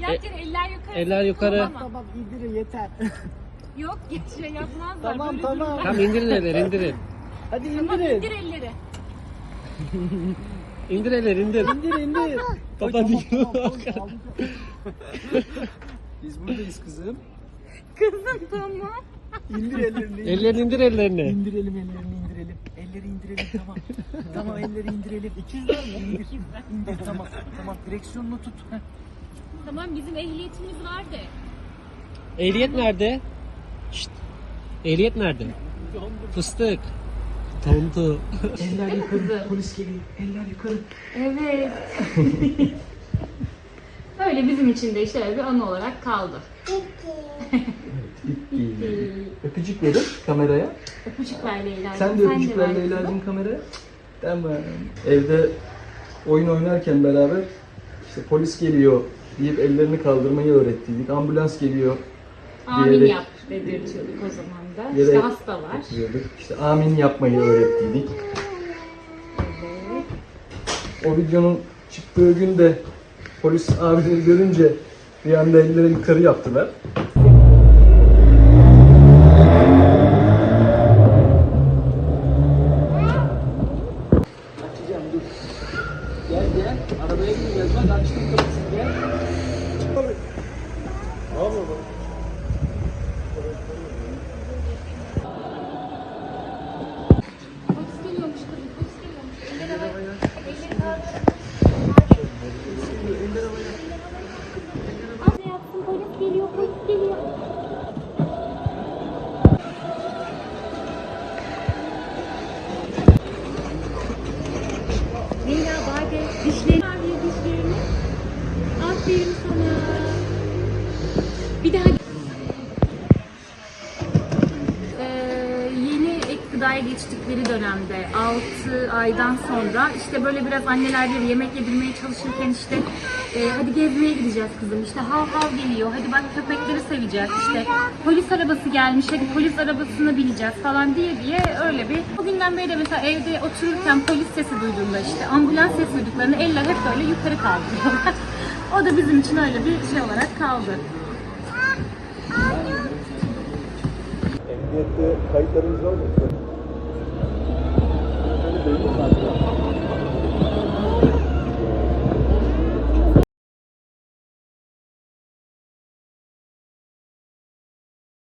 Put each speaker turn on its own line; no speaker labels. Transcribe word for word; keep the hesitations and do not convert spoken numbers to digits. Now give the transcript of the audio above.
Yat yere, eller yukarı.
Eller yukarı.
Tamam.
Tamam indirin yeter.
Yok şey yapmazlar.
Tamam
böyle
tamam.
dururlar.
Tamam indirin elleri indirin.
Hadi
Tamam
indirin.
indir elleri.
İndir elleri indir.
İndir indir.
Baba
Ay,
diyor.
tamam, tamam, tamam. Biz buradayız kızım.
Kızım tamam.
İndir ellerini.
Ellerini indir ellerini.
İndirelim ellerini indirelim. Elleri indirelim tamam. Tamam elleri indirelim. İkizler mi? İndir. İndir tamam. Tamam direksiyonunu tut. Heh.
Tamam bizim ehliyetimiz var de.
Ehliyet nerede? Şşt. Ehliyet nerede? Fıstık. Tontu.
Eller yukarı. Polis geliyor. Eller yukarı.
Evet. Öyle bizim için de şöyle bir anı olarak kaldı.
Öpücük verin kameraya.
Öpücük ver Leyla'cığım.
Sen de öpücük ver
ver kızım.
Leyla'cığım kameraya. Tamam. Evde oyun oynarken beraber işte polis geliyor deyip ellerini kaldırmayı öğrettiydik. Ambulans geliyor
Amin
diyerek-
yap dedirtiyorduk o zaman da.
Yere
İşte hasta var.
oturuyorduk. İşte amin yapmayı öğrettiydik.
Evet.
O videonun çıktığı gün de polis abileri görünce bir anda elleri yukarı yaptılar. Açacağım dur. Gel gel. Arabaya bineceğiz. Bak açtım kapısını gel. Abi. Abi.
Polis geliyormuş kızım. Polis geliyormuş. Elleri havaya. Elleri kaldır. Anne yapsın. Polis geliyor. Polis geliyor. Leyla Bade dişlerini abi dişlerini. Aferin sana. Bir daha Ee, yeni ek gıdaya geçtikleri dönemde altı aydan sonra işte böyle biraz anneler bir yemek yedirmeye çalışırken işte e, hadi gezmeye gideceğiz kızım işte hav hav geliyor hadi bak köpekleri seveceğiz işte polis arabası gelmiş hadi polis arabasına bineceğiz falan diye diye öyle bir bugünden beri de mesela evde otururken polis sesi duyduğunda işte ambulans sesi duyduklarında eller hep böyle yukarı kaldırıyorlar. O da bizim için öyle bir şey olarak kaldı.
Emniyette kayıtlarınız var mı? Böyle belli mi?